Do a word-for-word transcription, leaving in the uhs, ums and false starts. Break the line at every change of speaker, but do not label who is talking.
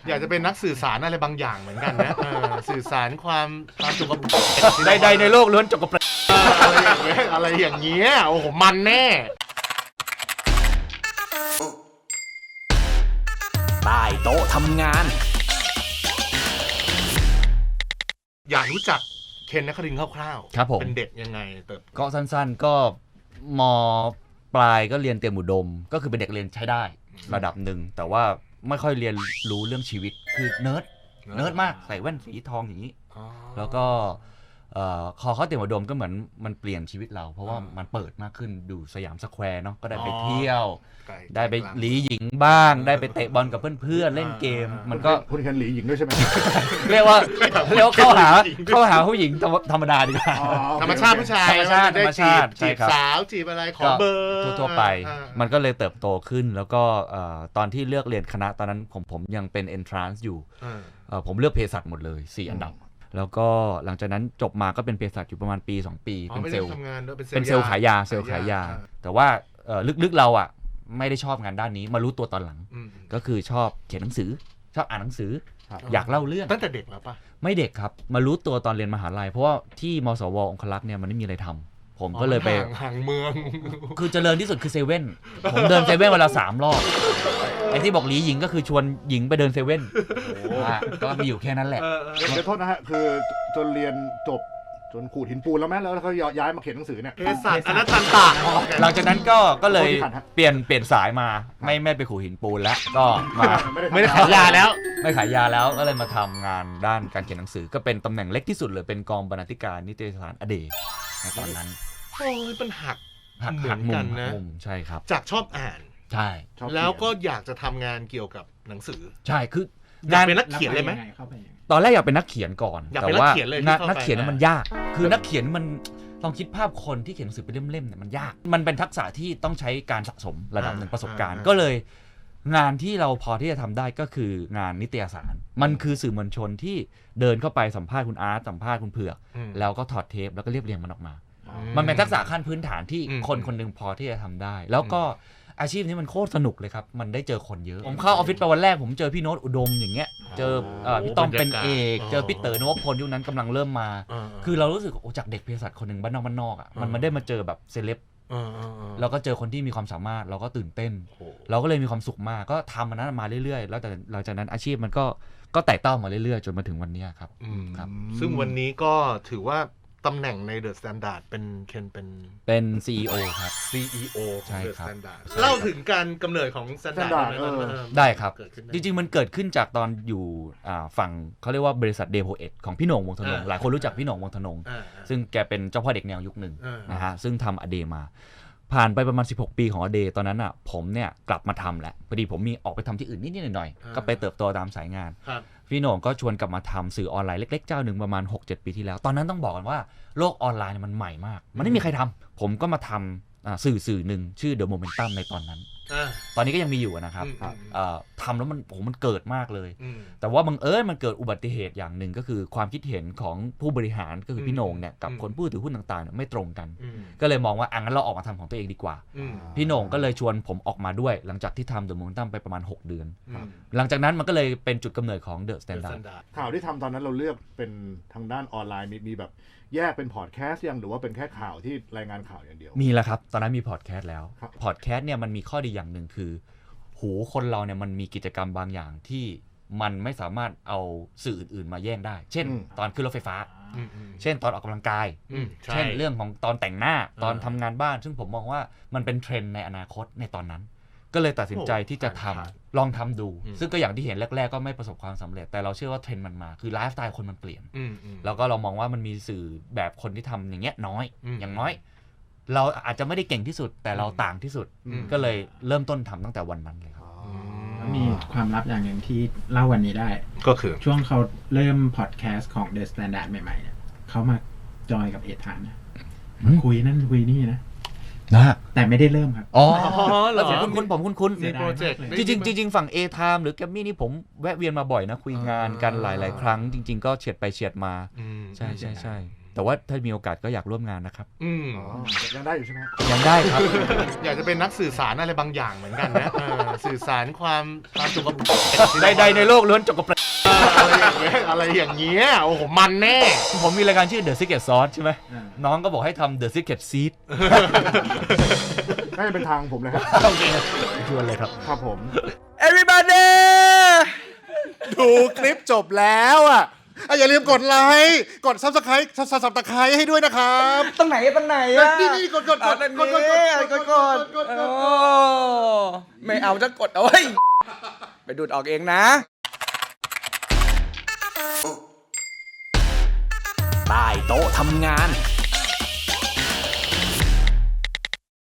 อยากจะเป็นนักสื่อสารอะไรบางอย่างเหมือนกันนะสื่อสารความความจงกระเบน
ใดๆในโลกล้วนจงกระเบน
อะไรอย่างเงี้ยอะไรอย่างเงี้ยโอ้โหมันแน่
ใต้โต๊ะทำงาน
อยากรู้จักเคนนครินทร์คร่าวๆ
ครับผม
เป็นเด็กยังไงเติบ
ก็สั้นๆก็ม.ปลายก็เรียนเตรียมอุดมก็คือเป็นเด็กเรียนใช้ได้ระดับหนึ่งแต่ว่าไม่ค่อยเรียนรู้เรื่องชีวิตคือเนิร์ดเนิร์ดมากใส่แว่นสีทองอย่างนี้แล้วก็คอเข้าเตรียมอุดมก็เหมือนมันเปลี่ยนชีวิตเราเพราะว่ามันเปิดมากขึ้นดูสยามสแควร์เนาะก็ได้ไปเที่ยวได้ไปหลีหญิงบ้างได้ไปเตะบอลกับเพื่อนๆเล่นเกมมันก็
คุณกันหลีหญิงด้วยใช่ไหม
เรียกว่าเรียกว่าเข้าหาเข้าหาผู้หญิงธรรมดาดีกว่า
ธรรมชาติผู้ชาย
ธรรมชาติธรรมชาติ
จีบสาวจีบอะไรขอเบอร์
ทั่วๆไปมันก็เลยเติบโตขึ้นแล้วก็ตอนที่เลือกเรียนคณะตอนนั้นผมผมยังเป็น entrance อยู่ผมเลือกเภสัชหมดเลยสี่อันดับแล้วก็หลังจากนั้นจบมาก็เป็นเภสัชอยู่ประมาณปีสองปีเป็นเซลล์เป็นเซลล์ขายยาเซลล์ขายยาแต่ว่าลึกๆเราอ่ะไม่ได้ชอบงานด้านนี้มารู้ตัวตอนหลังก็คือชอบเขียนหนังสือชอบอ่านหนังสืออยากเล่าเรื่อง
ตั้งแต่เด็กแล้วปะ
ไม่เด็กครับมารู้ตัวตอนเรียนมหาลัยเพราะว่าที่มสวองคลักษ์เนี่ยมันไม่มีอะไรทำผมก็เลยไป
ห่างเมือง
คือเจริญที่สุดคือเซเว่นผมเดินเซเว่นเวลาสามรอบไอ้ที่บอกหลีหญิงก็คือชวนหญิงไปเดินเซเว่นก็มีอยู่แค่นั้นแหละ
เดี๋ยวโทษนะฮะคือจนเรียนจบจนขูดหินปูนแล้วแม่แล้วเขาย้ายมาเขียนหนังสือเนี่ย
เภสัชอนัตตันตะ
หลังจากนั้นก็ก็เลยเปลี่ยนเปลี่ยนสายมาไม่ไม่ไปขูดหินปูนแล้วก็มา
ไม่ได้ขายยาแล้ว
ไม่ขายยาแล้วก็เลยมาทำงานด้านการเขียนหนังสือก็เป็นตำแหน่งเล็กที่สุดเลยเป็นกองบรรณาธิการนิตยสารอเดย์ในตอนนั้น
โอ้ยเป็นหัก
หักหักมุมมุมใช่ครับ
จากชอบอ่าน
ใช่
แล้วก็อยากจะทำงานเกี่ยวกับหนังสือ
ใช่คือง
านเป็นนักเขียนเลยไหม
ตอนแรกอยากเป็นนักเขียนก่อนแต่ว่านักเขียนมันยากคือนักเขียนมันลองคิดภาพคนที่เขียนหนังสือเป็นเล่มๆเนี่ยมันยากมันเป็นทักษะที่ต้องใช้การสะสมระดับหนึ่งประสบการณ์ก็เลยงานที่เราพอที่จะทำได้ก็คืองานนิตยสารมันคือสื่อมวลชนที่เดินเข้าไปสัมภาษณ์คุณอาร์ตสัมภาษณ์คุณเผือกแล้วก็ถอดเทปแล้วก็เรียบเรียงมันออกมามันเป็นทักษะขั้นพื้นฐานที่คนคนนึงพอที่จะทำได้แล้วก็อาชีพนี้มันโคตรสนุกเลยครับมันได้เจอคนเยอะผมเข้าออฟฟิศไปวันแรกผมเจอพี่โน้ตอุดมอย่างเงี้ยเจอพี่ต้อมเป็นเอกเจอพี่เต๋อนวพลยุคนั้นกำลังเริ่มมาคือเรารู้สึกโอ้จากเด็กเภสัชคนหนึ่งบ้านนอกบ้านนอกอ่ะมันไม่ได้มาเจอแบบเซเลบแล้วก็เจอคนที่มีความสามารถเราก็ตื่นเต้นเราก็เลยมีความสุขมากก็ทำมันนั้นมาเรื่อยๆแล้วแต่หลังจากนั้นอาชีพมันก็ก็ไต่เต้ามาเรื่อยๆจนมาถึงวันนี้ครับ
ครับซึ่งวันนี้ก็ถือว่าตำแหน่งใน The Standard เป็นเคนเป็น
เป็น ซี อี โอ ครับ
ซี อี โอ ของ
The
Standard เล่าถึงการกำเนิดของ Standard
ได้ครับจริงๆมันเกิดขึ้นจากตอนอยู่ฝั่งเขาเรียกว่าบริษัทเดโพเอ็ดของพี่โหน่งวงธนงหลายคนรู้จักพี่โหน่งวงธนงซึ่งแกเป็นเจ้าพ่อเด็กแนวยุคหนึ่งนะฮะซึ่งทำอเดมาผ่านไปประมาณสิบหกปีของอเดตอนนั้นอ่ะผมเนี่ยกลับมาทำแหละพอดีผมมีออกไปทำที่อื่นนิดๆหน่อยๆก็ไปเติบโตตามสายงานพี่โหน่งก็ชวนกลับมาทำสื่อออนไลน์เล็กๆเจ้าหนึ่งประมาณ หกเจ็ด ปีที่แล้วตอนนั้นต้องบอกกันว่าโลกออนไลน์มันใหม่มากมันไม่มีใครทำผมก็มาทำสื่อสื่อหนึ่งชื่อ The Momentum ในตอนนั้นตอนนี้ก็ยังมีอยู่นะครับทำแล้วมันโอ้มันเกิดมากเลยแต่ว่าบังเอิญมันเกิดอุบัติเหตุอย่างหนึ่งก็คือความคิดเห็นของผู้บริหารก็คือพี่โหน่งเนี่ยกับคนผู้ถือหุ้นต่างๆไม่ตรงกันก็เลยมองว่าอ่ะงั้นเราออกมาทำของตัวเองดีกว่าพี่โหน่งก็เลยชวนผมออกมาด้วยหลังจากที่ทำ The Momentum ไปประมาณหกเดือนหลังจากนั้นมันก็เลยเป็นจุดกำเนิดของ The Standard
ข่าวที่ทำตอนนั้นเราเลือกเป็นทางด้านออนไลน์มีแบบแยกเป็นพอดแคสต์ยังหรือว่าเป็นแค่ข่าวที่รายงานข่าวอย่างเดียว
มีแล้วครับตอนนั้นมีพอดแคสต์แล้วพอดแคสต์เนี่ยมันมีข้อดีอย่างหนึ่งคือหูคนเราเนี่ยมันมีกิจกรรมบางอย่างที่มันไม่สามารถเอาสื่ออื่นๆมาแย่งได้เช่นตอนขึ้นรถไฟฟ้าเช่นตอนออกกำลังกายเช่นเรื่องของตอนแต่งหน้าตอนทำงานบ้านซึ่งผมมองว่ามันเป็นเทรนด์ในอนาคตในตอนนั้นก็เลยตัดสินใจที่จะทำลองทำดูซึ่งก็อย่างที่เห็นแรกๆก็ไม่ประสบความสำเร็จแต่เราเชื่อว่าเทรนด์มันมาคือไลฟ์สไตล์คนมันเปลี่ยนแล้วก็เรามองว่ามันมีสื่อแบบคนที่ทำอย่างเงี้ยน้อยอย่างน้อยเราอาจจะไม่ได้เก่งที่สุดแต่เราต่างที่สุดก็เลยเริ่มต้นทำตั้งแต่วันนั้นเลยครับ
มีความลับอย่างหนึ่งที่เล่าวันนี้ได้
ก็คือ
ช่วงเขาเริ่มพอดแคสต์ของ The Standard ใหม่ๆเนี่ยเขามาจอยกับเอทานนะมาคุยนั่นคุยนี่นะ
นะ
แต่ไม่ได้เริ่มครับ
อ๋อแล้วผมคุ้นผมคุ้น
ๆมีโปรเจกต์
จริงๆจริงๆฝั่ง A-Time หรือแกมมี่นี่ผมแวะเวียนมาบ่อยนะคุยงานกันหลายๆครั้งจริงๆก็เฉียดไปเฉียดมาใช่ๆๆแต่ว่าถ้ามีโอกาสก็อยากร่วมงานนะครับ
อืม
อ๋อยังได้อยู่ใช่ไหม
ยังได้ครับ
อยากจะเป็นนักสื่อสารอะไรบางอย่างเหมือนกันนะเออสื่อสารความความสุขภาพ
ใดๆในโลกล้วนจกกระเปร
อะไรอย่างเงี้ยอะไรอย่างเงี้ยโอ้โหมันแน่
ผมมีรายการชื่อ The Secret Sauce ใช่ไหม
อ่า
น้องก็บอกให้ทำ The Secret Seed
น่าจะเป็นทางผมเลยครับ
โอเคชวนเลยครับ
ครับผม
Everybody
ดูคลิปจบแล้วอ่ะอ่ะอย่าลืมกดไลค์กดซับสไครต์ซับตะไคร้ให้ด้วยนะครับ
ตรงไหนตรงไหนอ่ะ
นี่นี่กดกดก
อ่ะ
ด
ตรง
กดกด
นี้
กด
กดกด
กด
โอ้ไม่เอาจะกดเอาไว้ยไปดูดออกเองนะใต้โต๊ะทำงาน